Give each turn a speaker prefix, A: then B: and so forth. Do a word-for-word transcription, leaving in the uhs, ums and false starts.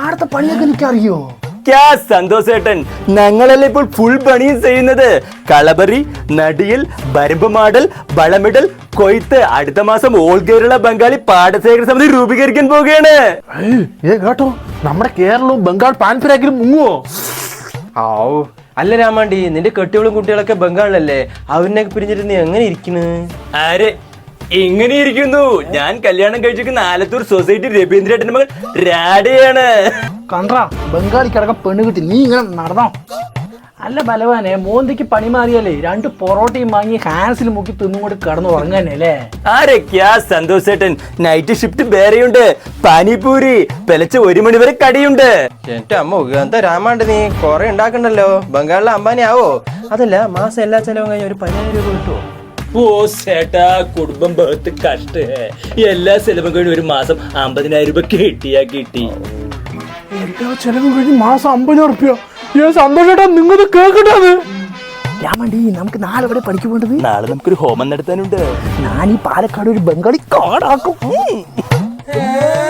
A: ആടത്തെ പണിയൊക്കെ എനിക്കറിയോ?
B: സന്തോഷേട്ടൻ, ഞങ്ങളല്ലേ ഇപ്പോൾ ഫുൾ പണിയും ചെയ്യുന്നത്. കളബറി, നടിയൽ, ബരമ്പ് മാടൽ, വളമിടൽ, കൊയ്ത്ത്. അടുത്ത മാസം ഓൾ കേരള ബംഗാളി പാടശേഖര സമിതി രൂപീകരിക്കാൻ പോവുകയാണ്.
A: ഏ കേട്ടോ, നമ്മുടെ കേരളവും ബംഗാൾ പാൻപരാക്കിലും മുങ്ങുവോ?
C: ആവൂ, അല്ല രാമാണ്ടി, നിന്റെ കെട്ടികളും കുട്ടികളൊക്കെ ബംഗാളിലല്ലേ, അവരിനൊക്കെ പിരിഞ്ഞിട്ട് നീ എങ്ങനെ ഇരിക്കുന്നു?
B: ആരെ ഇങ്ങനെ ഇരിക്കുന്നു? ഞാൻ കല്യാണം കഴിച്ചിരിക്കുന്ന ആലത്തൂർ സൊസൈറ്റി രവീന്ദ്രേട്ടന്റെ മകൾ രാഡയാണ്.
A: കണ്ടാ, ബംഗാളിക്കടക്കം പെണ്ണ് കിട്ടി, നീ ഇങ്ങനെ നടന്നോ? അല്ല ബലവാനെ, മോന്തിക്ക് പണി മാറിയാലേ രണ്ട് പൊറോട്ടയും വാങ്ങി ഹാൻസിൽ മുക്കി തിന്നും കൂടി കിടന്നു ഉറങ്ങാനേ അല്ലേ?
B: ആരൊക്കെയാ സന്തോഷേട്ടൻ? നൈറ്റ് ഷിഫ്റ്റ് വേറെയുണ്ട്, പാനിപൂരി പെലച്ച ഒരു മണി വരെ കടിയുണ്ട്.
C: എന്റെ അമ്മ, എന്താ രാമാണ്ടി നീ കൊറേ ഉണ്ടാക്കണ്ടല്ലോ, ബംഗാളിലെ അംബാനി ആവോ? അതല്ല, മാസം എല്ലാ ചെലവും കഴിഞ്ഞ ഒരു പതിനായിരം രൂപ കിട്ടുമോ?
B: ഓ ചേട്ടാ, കുടുംബം ബഹത്ത് കഷ്ട. എല്ലാ ചെലവും കഴിഞ്ഞ് ഒരു മാസം അമ്പതിനായിരം രൂപ കിട്ടിയാ കിട്ടി.
A: എല്ലാ ചെലവും കഴിഞ്ഞ് മാസം അമ്പതിനായിരം ഉറുപ്പിക. സന്തോഷേട്ടാ, നിങ്ങൾ കേൾക്കട്ടെ. രാമണ്ടി, നമുക്ക് നാളെ ഇവിടെ പഠിക്കു പോകേണ്ടത്.
B: നാളെ നമുക്കൊരു ഹോമം നടത്താനുണ്ട്.
A: ഞാൻ ഈ പാലക്കാട് ഒരു ബംഗാളി കാടാക്കും.